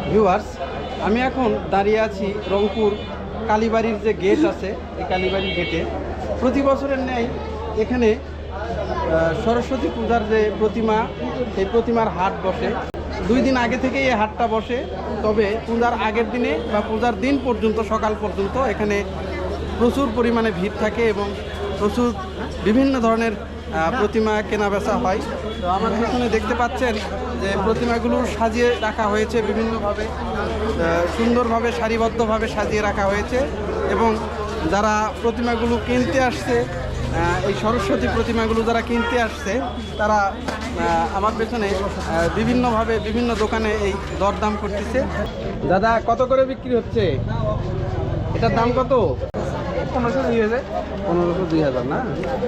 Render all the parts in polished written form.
Viewers, আমি এখন দাঁড়িয়ে আছি রংপুর কালীবাড়ির যে গেট আছে, এই কালীবাড়ির গেটে প্রতি বছরের ন্যায় এখানে সরস্বতী পূজার যে প্রতিমা, সেই প্রতিমার হাট বসে। 2 দিন আগে থেকেই এই হাটটা বসে, তবে পূজার আগের দিনে বা পূজার দিন পর্যন্ত, সকাল পর্যন্ত এখানে প্রচুর পরিমাণে ভিড় থাকে এবং প্রচুর বিভিন্ন ধরনের প্রতিমা কেনা বেচা হয়। তো আমার পেছনে দেখতে পাচ্ছেন যে প্রতিমাগুলো সাজিয়ে রাখা হয়েছে বিভিন্নভাবে, সুন্দরভাবে সারিবদ্ধভাবে সাজিয়ে রাখা হয়েছে। এবং যারা প্রতিমাগুলো কিনতে আসছে, এই সরস্বতী প্রতিমাগুলো যারা কিনতে আসছে, তারা আমার পেছনে বিভিন্নভাবে বিভিন্ন দোকানে এই দরদাম করতেছে। দাদা, কত করে বিক্রি হচ্ছে? এটার দাম কত? 1500, 2000। 1500, 2000 না?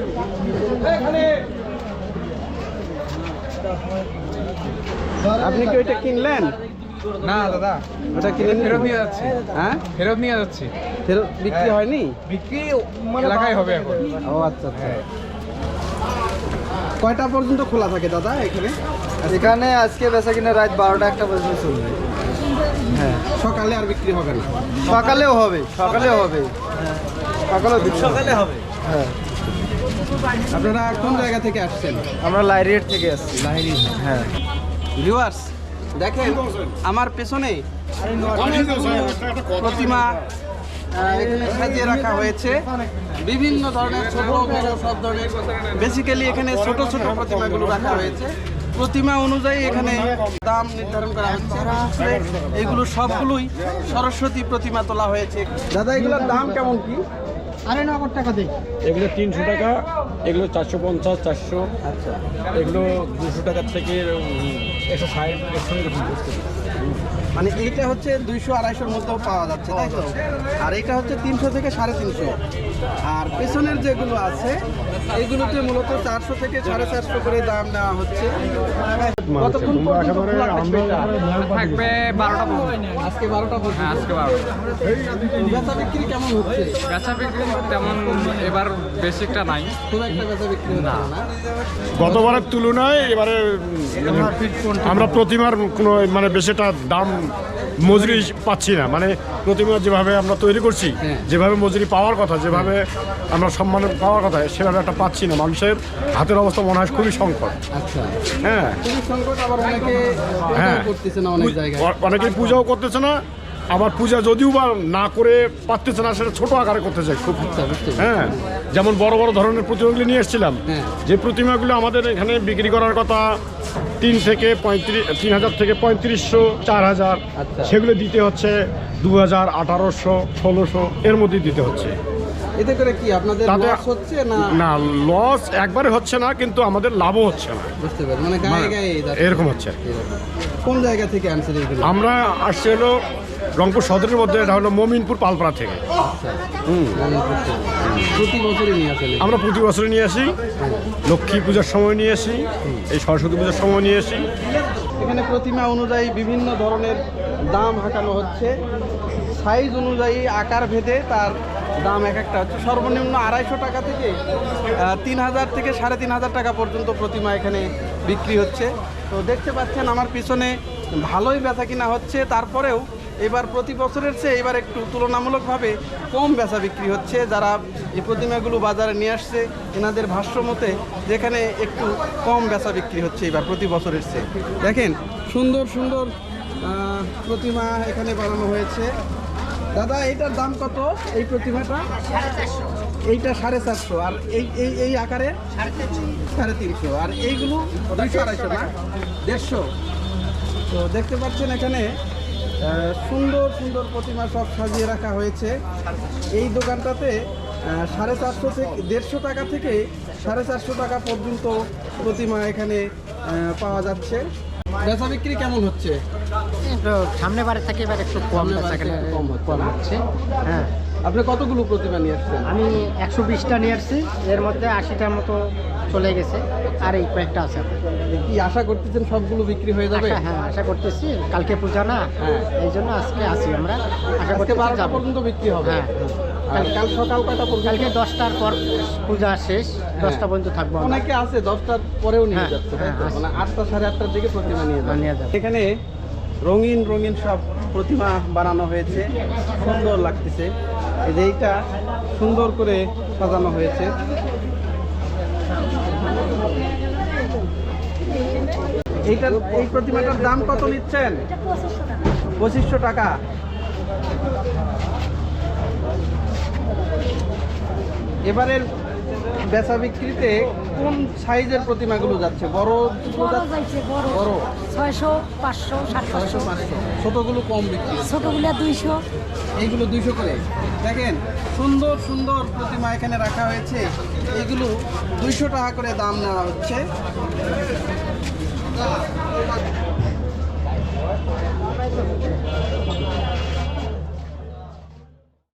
আপনি কি ওইটা কিনলেন? না দাদা, ওটা কিনে ফেরত নিয়ে যাচ্ছি। হ্যাঁ, ফেরত নিয়ে যাচ্ছি। ফেরত বিক্রি হয়নি? বিক্রি এলাকায় হবে এখন। ও আচ্ছা আচ্ছা। কয়টা পর্যন্ত খোলা থাকে দাদা এখানে? এখানে আজকে বেচা কিনা রাত 12টা 1টা পর্যন্ত চলবে। হ্যাঁ, সকালে আর বিক্রি হবে না? সকালেও হবে, সকালেও হবে, সকালে হবে। হ্যাঁ, আপনারা কোন জায়গা থেকে আসছেন? আমরা লাইরিয়েট থেকে আসছি। লাহিড়ী। হ্যাঁ, ভিউয়ার্স, দেখেন আমার পেছনে প্রতিমা এখানে সাজিয়ে রাখা হয়েছে বিভিন্ন ধরনের, ছোট বড় সব ধরনের। বেসিক্যালি এখানে ছোট ছোট প্রতিমাগুলো রাখা হয়েছে। প্রতিমা অনুযায়ী এখানে দাম নির্ধারণ করা হচ্ছে। আসলে এগুলো সবগুলোই সরস্বতী প্রতিমা তোলা হয়েছে। দাদা, এগুলোর দাম কেমন কি? আরে 9 টাকা দিই। এগুলো 300 টাকা, এগুলো 450, 400, আচ্ছা, এগুলো 200 টাকার থেকে 160, 100 এরকম বসতে। মানে এইটা হচ্ছে 200-250-র মধ্যেও পাওয়া যাচ্ছে, তাই তো? আর এটা হচ্ছে 300 থেকে 350। আর পেছনের যেগুলো আছে এগুলোতে মূলত 400 থেকে 450 করে দাম নেওয়া হচ্ছে। কতক্ষণ পর্যন্ত খোলা থাকবে এটা? থাকবে 12টা পর্যন্ত। আজকে 12টা পর্যন্ত। হ্যাঁ, আজকে 12টা। বেচা বিক্রি কেমন হচ্ছে? বেচা বিক্রি তেমন এবার বেশি একটা নাই। খুব একটা বেচা বিক্রি হচ্ছে না। গতবারের তুলনায় এবারে আমরা প্রতিমার কোনো মানে বেশিটা দাম মজুরি পাচ্ছি না। মানে প্রতিমা যেভাবে আমরা তৈরি করছি, হ্যাঁ। যেভাবে মজুরি পাওয়ার কথা, যেভাবে আমরা সম্মান পাওয়ার কথা, সেভাবে একটা পাচ্ছি না। মানুষের হাতের অবস্থা মনে হয় খুবই সংকট। আচ্ছা, হ্যাঁ, খুবই সংকট। আবার অনেকে হ্যাঁ, করতেছে না অনেক জায়গায়। অনেকেই পূজাও করতেছে না, আবার পূজা যদিও বা না করে পারতেছে না, সেটা ছোট আকারে করতে চাই খুব। আচ্ছা, বুঝতে পেরেছি। হ্যাঁ, যেমন বড় বড় ধরনের প্রতিমাগুলি নিয়ে এসেছিলাম, হ্যাঁ। যে প্রতিমাগুলো আমাদের এখানে বিক্রি করার কথা 3 থেকে 3,000 থেকে 3500, 4000, আচ্ছা। সেগুলো দিতে হচ্ছে 2000, 1800, 1600 এর মধ্যে দিতে হচ্ছে। এতে করে কি আপনাদের তাতে লস হচ্ছে না? না, লস একবারে হচ্ছে না, কিন্তু আমাদের লাভও হচ্ছে না। বুঝতে পারি, মানে গায়ে গায়ে যাচ্ছে। এরকম হচ্ছে। এরকম। কোন জায়গা থেকে আনছেন এইগুলো? আমরা আসছি হলো রংপুর সদরের মধ্যে, এটা হলো মমিনপুর পালপাড়া থেকে। আচ্ছা, প্রতি বছরই নিয়ে আসেন? আমরা প্রতি বছরে নিয়ে আসি, লক্ষ্মী পূজার সময় নিয়ে আসি, এই সরস্বতী পূজার সময় নিয়ে আসি। এখানে প্রতিমা অনুযায়ী বিভিন্ন ধরনের দাম হাঁকানো হচ্ছে। সাইজ অনুযায়ী, আকার ভেদে তার দাম এক একটা হচ্ছে। সর্বনিম্ন 250 টাকা থেকে 3000 থেকে 3500 টাকা পর্যন্ত প্রতিমা এখানে বিক্রি হচ্ছে। তো দেখতে পাচ্ছেন আমার পিছনে ভালোই বেচা কিনা হচ্ছে। তারপরেও এবার প্রতি বছরের চেয়ে এবার একটু তুলনামূলকভাবে কম বেচা বিক্রি হচ্ছে। যারা এই প্রতিমাগুলো বাজারে নিয়ে আসছে, এনাদের ভাষ্য মতে যেখানে একটু কম বেচা বিক্রি হচ্ছে এবার প্রতি বছরের চেয়ে। দেখেন, সুন্দর সুন্দর প্রতিমা এখানে বানানো হয়েছে। দাদা, এইটার দাম কত? এই প্রতিমাটা? 450। এইটা 450। আর এই এই এই আকারে 350। আর এইগুলো 200-250 না, 150। তো দেখতে পাচ্ছেন এখানে সুন্দর সুন্দর প্রতিমা সব সাজিয়ে রাখা হয়েছে। এই দোকানটাতে 450 থেকে 150 টাকা থেকে 450 টাকা পর্যন্ত প্রতিমা এখানে পাওয়া যাচ্ছে। বেচা বিক্রি কেমন হচ্ছে? সামনে বারে থেকে এবার একটু কম বেচা কিনা কম হচ্ছে। হ্যাঁ, আপনি কতগুলো প্রতিমা নিয়ে আসছেন? আমি 120টা নিয়ে আসছি, এর মধ্যে 80টার মতো চলে গেছে, আর এই কয়েকটা আছে। কি আশা করতেছেন সবগুলো বিক্রি হয়ে যাবে? হ্যাঁ, আশা করতেছি। কালকে পূজা না, হ্যাঁ। এই জন্য আজকে আসি আমরা। আশা আজকে করতে 12টা পর্যন্ত বিক্রি হবে। হ্যাঁ, আর কাল সকাল কয়টা পর্যন্ত? কালকে 10টার পর পূজা শেষ, 10টা পর্যন্ত থাকবো আমরা। অনেকে আছে 10টার পরেও নিয়ে হ্যাঁ, যাচ্ছে, তাই তো? হ্যাঁ, মানে 8টা 8:30টার দিকে প্রতিমা নিয়ে নিয়ে যাবে। যাবে। এখানে রঙিন রঙিন সব প্রতিমা বানানো হয়েছে, সুন্দর লাগতেছে। এই যে এইটা সুন্দর করে সাজানো হয়েছে। এই প্রতিমাটার দাম কত নিচ্ছেন? 2500 টাকা। এবারের বেচা বিক্রিতে কোন সাইজের প্রতিমাগুলো যাচ্ছে? বড় বড় 600, 500, 700, 500। ছোটগুলো কম বিক্রি, ছোটগুলা 200। এইগুলো 200 করে। দেখেন সুন্দর সুন্দর প্রতিমা এখানে রাখা হয়েছে, এইগুলো 200 টাকা করে দাম নেওয়া হচ্ছে।